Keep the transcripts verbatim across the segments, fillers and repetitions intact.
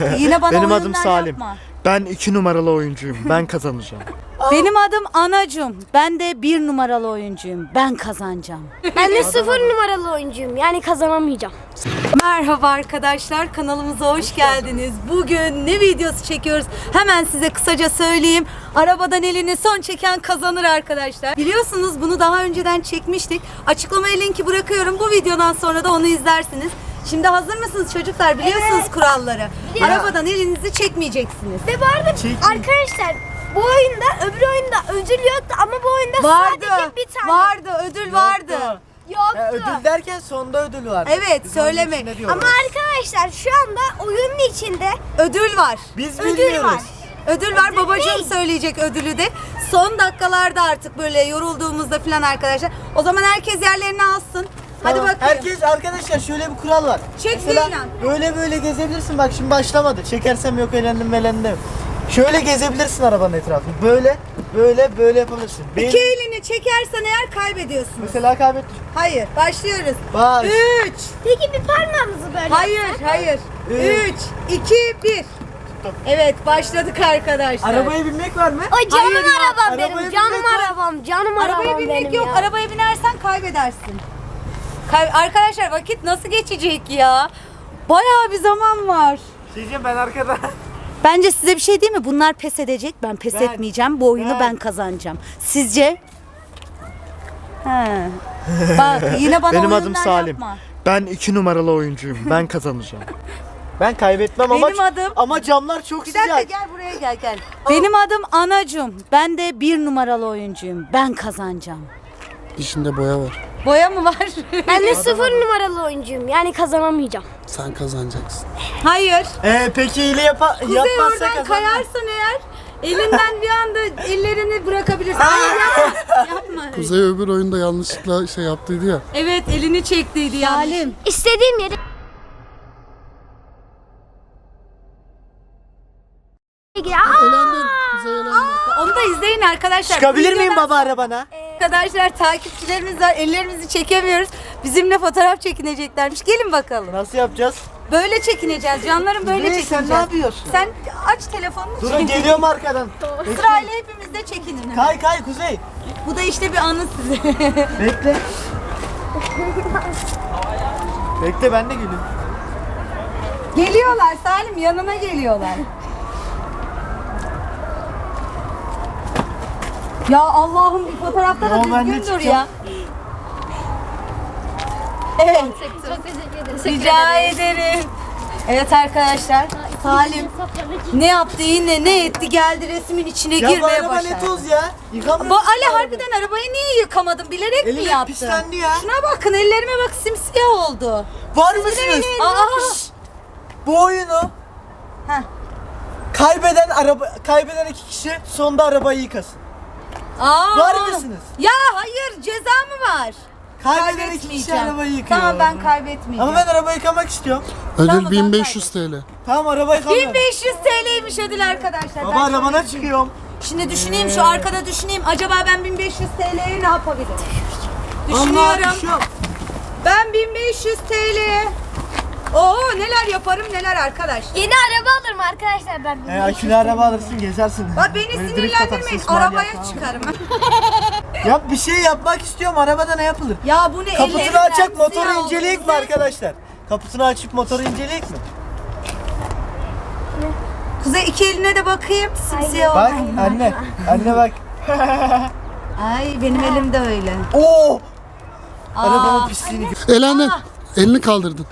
Yine bana Benim adım oyunlar Salim. yapma. Ben iki numaralı oyuncuyum. Ben kazanacağım. Benim adım Anacım. Ben de bir numaralı oyuncuyum. Ben kazanacağım. Ben de sıfır numaralı oyuncuyum. Yani kazanamayacağım. Merhaba arkadaşlar, kanalımıza hoş geldiniz. Bugün ne videosu çekiyoruz? Hemen size kısaca söyleyeyim. Arabadan elini son çeken kazanır arkadaşlar. Biliyorsunuz bunu daha önceden çekmiştik. Açıklamaya linki bırakıyorum. Bu videodan sonra da onu izlersiniz. Şimdi hazır mısınız çocuklar? Biliyorsunuz evet. kuralları. Biliyorum. Arabadan elinizi çekmeyeceksiniz. Ve bu arada Çekmeyin. arkadaşlar bu oyunda öbür oyunda ödül yoktu ama bu oyunda vardı, sadece bir tane. Vardı, ödül yoktu. vardı. Yoktu. Ya, ödül derken sonda ödül var. Evet, Biz söyleme. Ama arkadaşlar şu anda oyunun içinde ödül var. Biz ödül bilmiyoruz. var. Ödül var. Ödül Babacığım değil. söyleyecek ödülü de. Son dakikalarda artık böyle yorulduğumuzda falan arkadaşlar. O zaman herkes yerlerini alsın. Hadi Tamam. bakayım. Herkes arkadaşlar şöyle bir kural var. Çek Mesela değil lan. böyle böyle gezebilirsin. Bak şimdi başlamadı. Çekersem yok elendim elendim. Şöyle gezebilirsin arabanın etrafını. Böyle böyle böyle yapabilirsin. Benim... İki elini çekersen eğer kaybediyorsun. Mesela kaybettim. Hayır. Başlıyoruz. Baş. Üç. peki bir parmağımızı böyle Hayır, yapsak? hayır. Üç. Üç, iki, bir. Evet, başladık arkadaşlar. Arabaya binmek var mı? Ay canım Hayır ya, arabam arabaya benim. Canım binmek var. arabam. Canım arabam Arabaya binmek benim yok. ya. Arabaya binersen kaybedersin. Kay- arkadaşlar vakit nasıl geçecek ya? Bayağı bir zaman var. Diyeceğim ben arkada. Bence size bir şey değil mi? Bunlar pes edecek. Ben pes Ben- etmeyeceğim. Bu oyunu ben, ben- kazanacağım. Sizce? He. Bak yine bana Benim adım oyunlar Salim. yapma. Ben iki numaralı oyuncuyum. Ben kazanacağım. Ben kaybetmem ama Benim adım- ama camlar çok Bir dakika sıcak. gel buraya gel gel. Benim adım Anacım. Ben de bir numaralı oyuncuyum. Ben kazanacağım. İçinde boya var. Boya mı var? Ben de sıfır numaralı oyuncuyum. Yani kazanamayacağım. Sen kazanacaksın. Hayır. Ee, peki ile yapa Kuzey yapmazsa oradan kazanmaz. kayarsan eğer elinden bir anda ellerini bırakabilirsin. Hayır yapma. Yapma. Kuzey öbür oyunda yanlışlıkla şey yaptıydı ya. Evet elini çektiydi yani. Salim. İstediğim yere Aa! Elendin. Kuzey elendi. Onu da izleyin arkadaşlar. Çıkabilir Bu miyim videodan baba arabana? Arkadaşlar takipçilerimiz var. Ellerimizi çekemiyoruz. Bizimle fotoğraf çekineceklermiş. Gelin bakalım. Nasıl yapacağız? Böyle çekineceğiz. Canlarım böyle Kuzey, çekineceğiz. sen ne yapıyorsun? Sen aç telefonunu. Durun geliyorum arkadan. Sırayla hepimiz de çekinin. Kay kay Kuzey. Bu da işte bir anı size. Bekle. Bekle ben de geliyorum. Geliyorlar Salim, yanına geliyorlar. Ya Allah'ım bir fotoğrafta da Yo, ben de düzgün dur çıkacağım. ya. Evet. Rica ederim. Evet arkadaşlar, Salim ne yaptı yine ne etti geldi resmin içine Ya bu girmeye araba ne başladı. toz ya? Bu Yıkamıyor. Ali harbiden arabayı niye yıkamadın? Bilerek mi Elim yaptın? pislendi ya. Şuna bakın ellerime bak simsiyah oldu. Var mısınız? Aa. Şşş! Bu oyunu Heh. kaybeden araba kaybeden iki kişi sonda arabayı yıkasın. Aa. Var mısınız? Ya hayır ceza mı var? Kaybeden iki kişi arabayı yıkıyor. Tamam ben kaybetmeyeceğim. Ama ben arabayı yıkamak istiyorum. Ödül Tamam, bin beş yüz T L. Tamam arabayı yıkamıyorum. bin beş yüz T L'ymiş ödül arkadaşlar. Baba Ben- arabana çıkıyorum. Şimdi düşüneyim şu arkada düşüneyim. Acaba ben bin beş yüz T L'ye ne yapabilirim? Allah Düşünüyorum. düşüyorum. Ben bin beş yüz T L'ye Oo neler yaparım neler arkadaş. Yeni araba alırım arkadaşlar ben. He akülü araba alırsın gezersin. Bak beni Böyle drift sinirlendirmeyin. atarsın, İsmail Arabaya yap, tamam. çıkarım. Yap bir şey yapmak istiyorum arabada ne yapılır? Ya bu ne Kaputunu ellerimden açacak motoru siyah oldu. inceleyek mi arkadaşlar? Kaputunu açıp motoru inceleyek mi? Kuzey iki eline de bakayım. Simsiyah Bak oldu. anne, anne bak. Ay benim elim de öyle. Oo! Aa. Arabanın pisliğini gör. Elendin. Elini kaldırdın.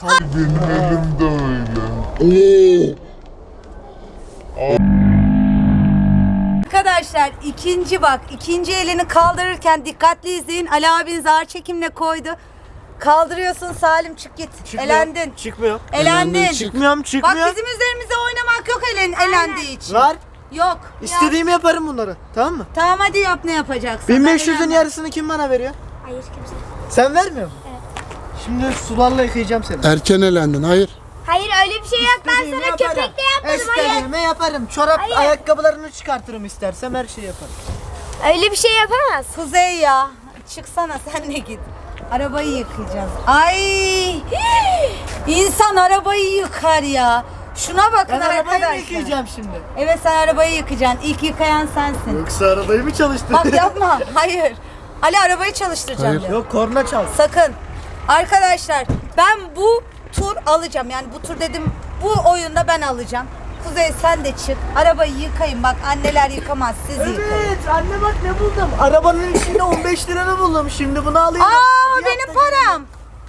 Arkadaşlar ikinci bak ikinci elini kaldırırken dikkatli izleyin. Ali abin zar çekimle koydu. Kaldırıyorsun Salim çık git. Çıkmıyor, Elendin. Çıkmıyor. Elendin. Elendin, çık. Çıkmıyorum, Bak çıkmıyor. bizim üzerimize oynamak yok elen, elendiği için. Var. Yok. İstediğimi yaparım bunları. Tamam mı? Tamam hadi yap ne yapacaksın. bin Ben beş yüzün elenmem. yarısını kim bana veriyor? Hayır kimse. Sen vermiyor musun? Evet. Şimdi sularla yıkayacağım seni. Erken elendin. Hayır. Hayır öyle bir şey yok ben İstediğimi sana yaparım. köpekle yapmadım hayır. İstediğimi yaparım. Çorap Hayır. ayakkabılarını çıkartırım istersem her şeyi yaparım. Öyle bir şey yapamaz. Kuzey ya. Çıksana sen de git. Arabayı yıkayacağız. Ay! İnsan arabayı yıkar ya. Şuna bakın Ben arabayı mı arkadaşlar. yıkayacağım şimdi? Evet sen arabayı yıkacaksın. İlk yıkayan sensin. Yoksa arabayı mı çalıştırdın? Bak yapma. Hayır. Ali arabayı çalıştıracağım Hayır. diyor. Yok korna çal. Sakın. Arkadaşlar ben bu tur alacağım. Yani bu tur dedim bu oyunda ben alacağım. Kuzey sen de çık. Arabayı yıkayın. Bak anneler yıkamaz. Siz yıkayın. Evet anne bak ne buldum. Arabanın içinde on beş liranı buldum. Şimdi bunu alayım. Aa Hadi benim yap da param.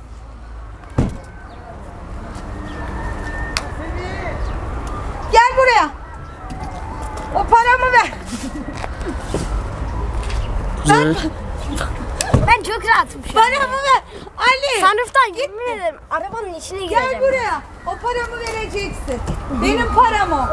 Gel buraya. O paramı ver. Kuzey. Ben çok rahatım şu an. Paramı ver. Ali. Sunroof'tan yemin ederim arabanın içine gireceğim. Gel buraya. O paramı vereceksin. Benim param o.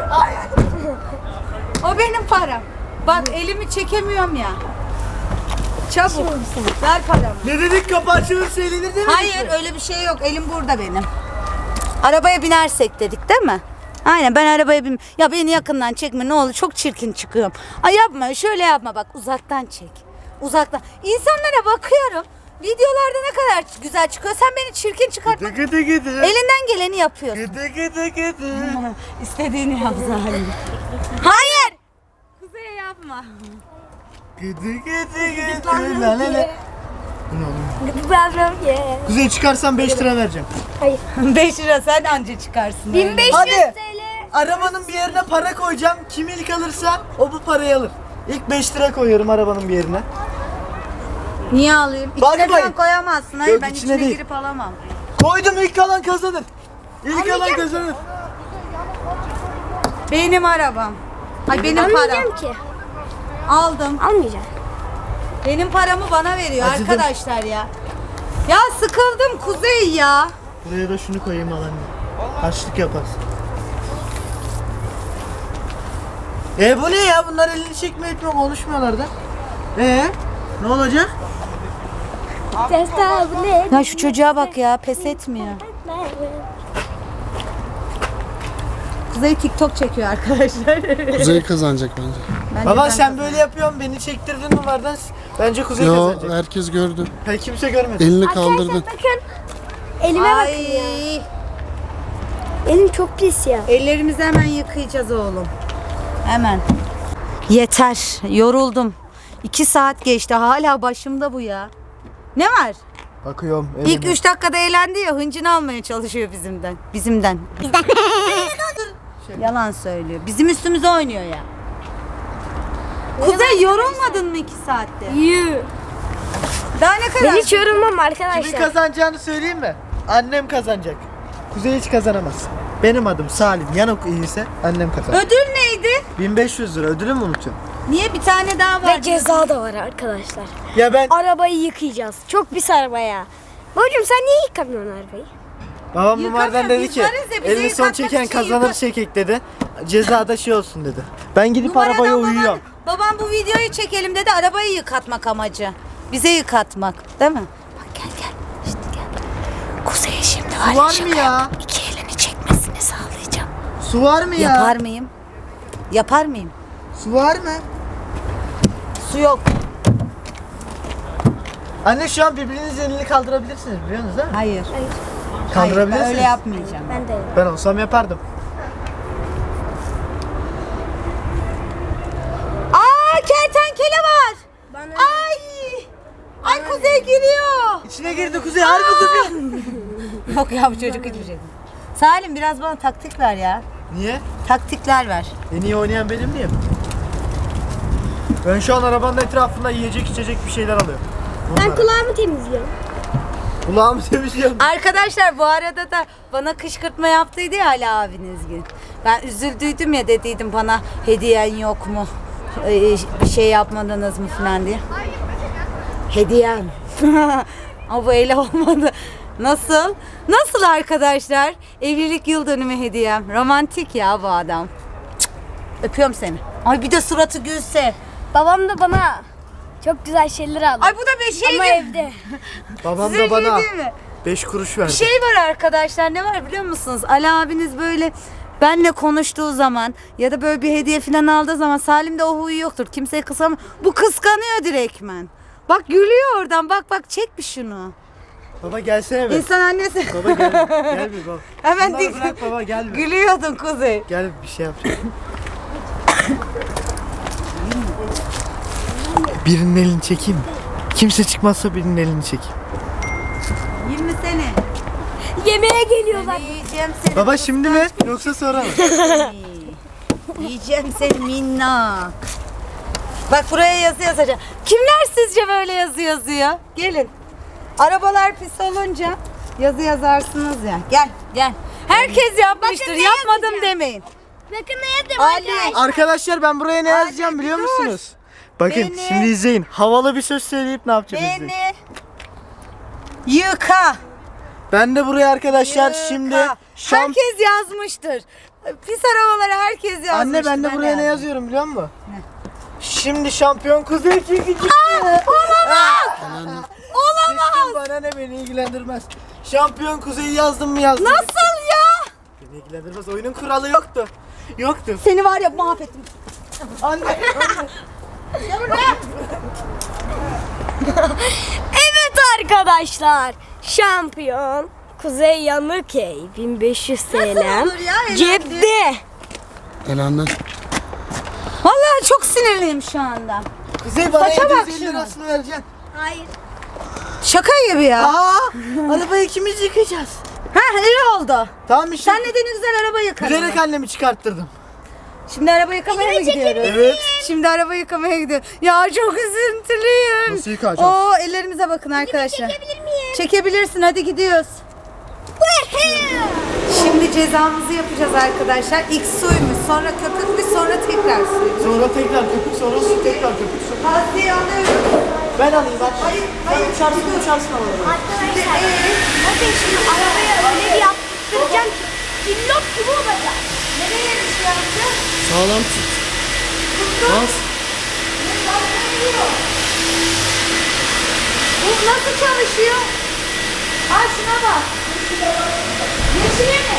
O benim param. Bak elimi çekemiyorum ya. Çabuk. Ver paramı. Ne dedik kapı açılırsa eğlenir değil mi? Hayır öyle bir şey yok. Elim burada benim. Arabaya binersek dedik değil mi? Aynen ben arabaya bin. Ya beni yakından çekme ne olur çok çirkin çıkıyorum. Ay yapma şöyle yapma bak uzaktan çek. Uzaktan. İnsanlara bakıyorum. Videolarda ne kadar güzel çıkıyor. Sen beni çirkin çıkartmak. Gıdı gıdı. Elinden geleni yapıyorsun. Gıdı gıdı gıdı. İstediğini yap Zalim. Hayır. Kuzey yapma. Gıdı gıdı gıdı. La la la. Gıdıklandım ye. Kuzey çıkarsan beş lira vereceğim. Hayır. beş lira sen anca çıkarsın. bin beş yüz Hadi. TL. Arabanın bir yerine para koyacağım. Kim ilk alırsa o bu parayı alır. İlk beş lira koyuyorum arabanın bir yerine. Niye alayım? İçine Bakmayın. falan koyamazsın. Hayır Yok, ben içine içine değil. girip alamam. Koydum ilk alan kazanır. İlk alan kazanır. Benim arabam. Ay benim param. Almayacağım ki. Aldım. Almayacağım. Benim paramı bana veriyor Acıdım. arkadaşlar ya. Ya sıkıldım Kuzey ya. Buraya da şunu koyayım alan. Harçlık yaparsın. E bu ne ya? Bunlar elini çekme etme konuşmuyorlar da. E ne olacak? Testa bu ne? Ya şu çocuğa bak ya pes etmiyor. Kuzey TikTok çekiyor arkadaşlar. Kuzey kazanacak bence. Bence Baba ben sen kazanırım. böyle yapıyorsun beni çektirdin numaradan. Bence Kuzey Yo kazanacak. herkes gördü. Ha, kimse görmedi. Elini Arkadaşlar kaldırdın. bakın. Elime bakın ya. Ay, Elim çok pis ya. ellerimizi hemen yıkayacağız oğlum. Hemen. Yeter. Yoruldum. İki saat geçti. Hala başımda bu ya. Ne var? Bakıyorum. İlk üç dakikada eğlendi ya hıncını almaya çalışıyor bizimden. Bizimden. Bizden. Yalan söylüyor. Bizim üstümüze oynuyor ya. Kuzey yorulmadın mı iki saatte? Yü. Daha ne kadar? Ben hiç yorulmam Kimin arkadaşlar. kazanacağını söyleyeyim mi? Annem kazanacak. Kuzey hiç kazanamaz. Benim adım Salim. Yanok iyiyse annem kazanır. Ödül neydi? bin beş yüz lira ödülü mü unutuyorum? Niye bir tane daha var? Ve ceza da var arkadaşlar. Ya ben Arabayı yıkayacağız. Çok pis araba ya. Babacım sen niye yıkamıyorsun arabayı? babam Yıkamıyor, numaradan dedi biz ki varız ya, bize elini son yıkatmak çeken için kazanır yıka- çekek dedi. Cezada şey olsun dedi. Ben gidip Numaradan arabaya baban- uyuyorum. Babam bu videoyu çekelim dedi arabayı yıkatmak amacı. Bize yıkatmak değil mi? Bak gel gel. İşte gel. Kuzey'e şimdi var, Su var şaka mı ya? yap- İki elini çekmesini sağlayacağım. Su var mı ya? Yapar mıyım? Yapar mıyım? Su var mı? Su yok. Anne şu an birbirinizin elini kaldırabilirsiniz biliyorsunuz değil mi? Hayır. Kaldırabilirsiniz. Hayır, ben öyle yapmayacağım. Ben de. Ben olsam yapardım. Aa kertenkele var. Bana... Ay. Ay Kuzey giriyor. İçine girdi Kuzey harbi Kuzey. Yok ya bu çocuk hiçbir şey. Salim biraz bana taktik ver ya. Niye? Taktikler ver. En iyi oynayan benim diye mi? Ben şu an arabanın etrafında yiyecek içecek bir şeyler alıyorum. Ben Onlara. kulağımı temizliyorum. Kulağımı temizliyorum. Arkadaşlar bu arada da bana kışkırtma yaptıydı ya Ali abiniz gün. Ben üzüldüydüm ya dediydim bana hediyen yok mu? Ee, bir şey yapmadınız mı falan diye. Hediyem. Ama bu öyle olmadı. Nasıl? Nasıl arkadaşlar? Evlilik yıl dönümü hediyem. Romantik ya bu adam. Cık. Öpüyorum seni. Ay bir de suratı gülse. Babam da bana çok güzel şeyler aldı. Ay bu da bir şey Ama değil. evde. Babam Size da bana şey değil mi? beş kuruş verdi. Bir şey var arkadaşlar ne var biliyor musunuz? Ali abiniz böyle benle konuştuğu zaman ya da böyle bir hediye falan aldığı zaman Salim'de o huyu yoktur. Kimseye kıskanmıyor. Bu kıskanıyor direktmen. Bak gülüyor oradan. Bak bak çek bir şunu. Baba gelsene bir. İnsan annesi. Baba gel. Gel bir baba. Hemen Bunları dik. bırak baba gel bir. Gülüyordun Kuzey. Gel bir şey yapacağım. Birinin elini çekeyim mi? Kimse çıkmazsa birinin elini çekeyim. yirmi sene. Yemeğe geliyorlar. Seni yiyeceğim seni. Baba şimdi mi yoksa sonra mı? Yiyeceğim seni minnak. Bak buraya yazı yazacağım. Kimler sizce böyle yazı yazıyor? Gelin. Arabalar pis olunca yazı yazarsınız ya. Gel gel. Herkes yapmıştır. Bakın ne Yapmadım yazacağım. demeyin. Bakın ne yaptım Ali. arkadaşlar. Arkadaşlar ben buraya ne yazacağım biliyor dur. musunuz? Bakın Beni- şimdi izleyin. Havalı bir söz söyleyip ne yapacağız izleyin. Beni yıka. Ben de buraya arkadaşlar Yıka. şimdi şamp... Herkes yazmıştır. Pis arabaları herkes yazmıştır. Anne ben de buraya ne yazdım. yazıyorum biliyor musun? Şimdi şampiyon kuzey çekici. Olamaz. Olamaz. Bana ne beni ilgilendirmez. Şampiyon kuzeyi yazdım mı yazdım. Nasıl ya? Beni ilgilendirmez. Oyunun kuralı yoktu. Yoktu. Seni var ya mahvettim. Anne. Evet arkadaşlar. Şampiyon Kuzey Yanıkey bin beş yüz T L olur ya, elendi? cepte. Elendi. Vallahi çok sinirliyim şu anda. Kuzey bana Saça bak yedi yüz elli şuna. lirasını vereceksin. Hayır. Şaka gibi ya. Aa, arabayı ikimiz yıkayacağız. Ha iyi oldu. Tamam işte. Sen neden ne güzel araba yıkadın. Bilerek annemi çıkarttırdım. Şimdi araba yıkamaya mı gidiyoruz? Evet. Şimdi araba yıkamaya gidiyoruz. Ya çok üzüntülüyüm. Nasıl yıkayacağız? Oo ellerimize bakın arkadaşlar. Çekebilir miyim? Çekebilirsin, hadi gidiyoruz. Şimdi cezamızı yapacağız arkadaşlar. İlk suymuş, sonra köpükmüş, sonra tekrar suymuş. Sonra tekrar köpük, sonra su, tekrar köpük, su. Hadi alıyorum. Ben alayım aç. Hayır, Sen hayır. uçarsın uçarsın havalara. Arkadaşlar bakın şimdi arabaya öyle bir yaptıracağım ki cillop gibi olacak. Nereye bir şey yapacağız? Sağlam tut. Bas. Bu nasıl çalışıyor? Al şuna bak. Yeşile mi?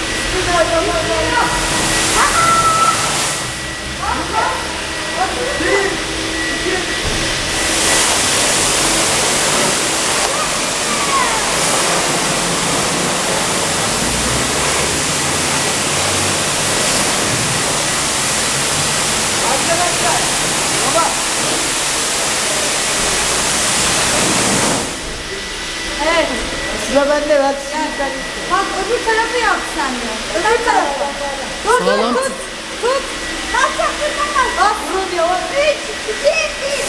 Evet. Sıra bende ver. Bak öbür tarafı yap sen de. Öbür tarafı. Dur Sağlam dur tut. Tut. Kalk kalk kalk kalk. Bak bunu diyor. Üç, iki, bir.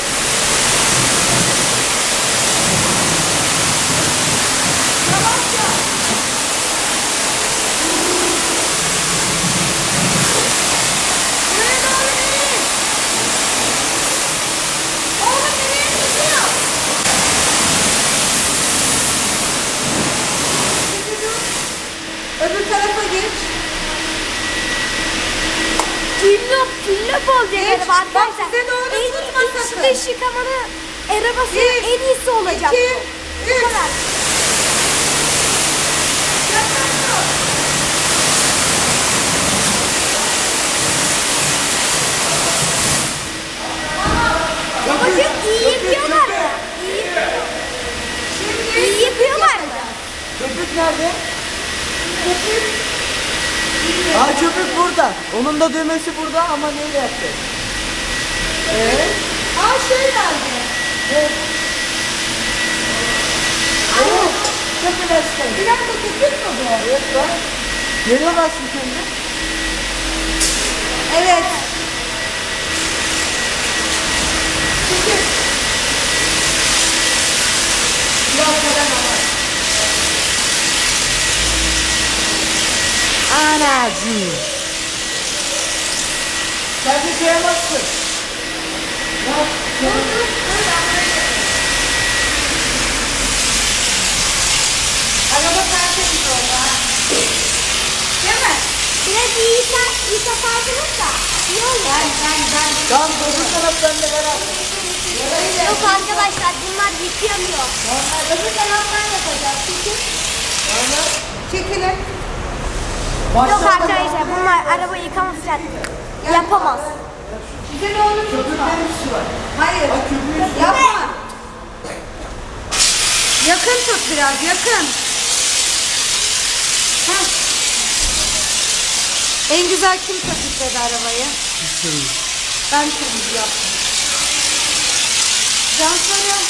Yavaşça. Buraya doğru değil. Oğlum nereye gidiyor? Öbür tarafa geç. Cillop cillop olacak Geç, araba bak arkadaşlar. size doğru En tutma iç sakın. dış yıkamanın arabası Bir, en iyisi olacak. İki, Bu üç. kadar. Babacım iyi yapıyorlar mı? İyi yapıyor. İyi yapıyorlar mı? Köpük nerede? Köpük. Aa köpük burada. Onun da düğmesi burada ama neyle yapacağız? Eee? Aa şey geldi. Oo, köpük açtım. Bir dakika köpük mü bu? Evet bak. Geliyor aslında kendi. Evet. Anacığım. Sen de koyamazsın. Araba tertemiz oldu ha. Değil mi? Biraz iyi yıka, yıkasardınız da iyi olur. Ben ben ben. Tamam öbür taraf bende ver abi. Yok arkadaşlar bunlar yıkayamıyor. Öbür taraftan yapacağız. Çünkü çekilin. Yok arkadaşlar bunlar araba yıkamayacak. Yapamaz. Bize ne olur tutma. Köpüklerin üstü var. Hayır. Bak köpüğün üstü. Yapma. Yakın tut biraz, yakın. Heh. En güzel kim taşıdı arabayı? Ben kırmızı yaptım. Cansarı.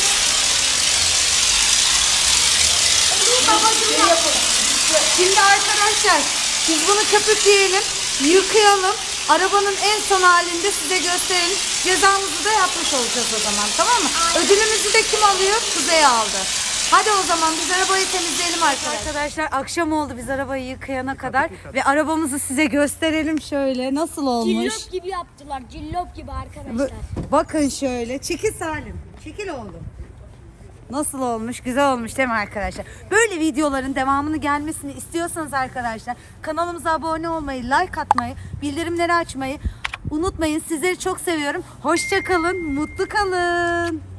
Şimdi arkadaşlar biz bunu köpükleyelim, yıkayalım. Arabanın en son halinde size gösterelim. Cezamızı da yapmış olacağız o zaman, tamam mı? Ödülümüzü de kim alıyor? Kuzey aldı. Hadi o zaman biz arabayı temizleyelim arkadaşlar. Arkadaşlar akşam oldu biz arabayı yıkayana kadar ve arabamızı size gösterelim şöyle. Nasıl olmuş? Cillop gibi yaptılar. Cillop gibi Bu- arkadaşlar. Bakın şöyle. Çekil Salim. Çekil oğlum. Nasıl olmuş? Güzel olmuş değil mi arkadaşlar? Böyle videoların devamını gelmesini istiyorsanız arkadaşlar kanalımıza abone olmayı, like atmayı, bildirimleri açmayı unutmayın. Sizleri çok seviyorum. Hoşça kalın, mutlu kalın.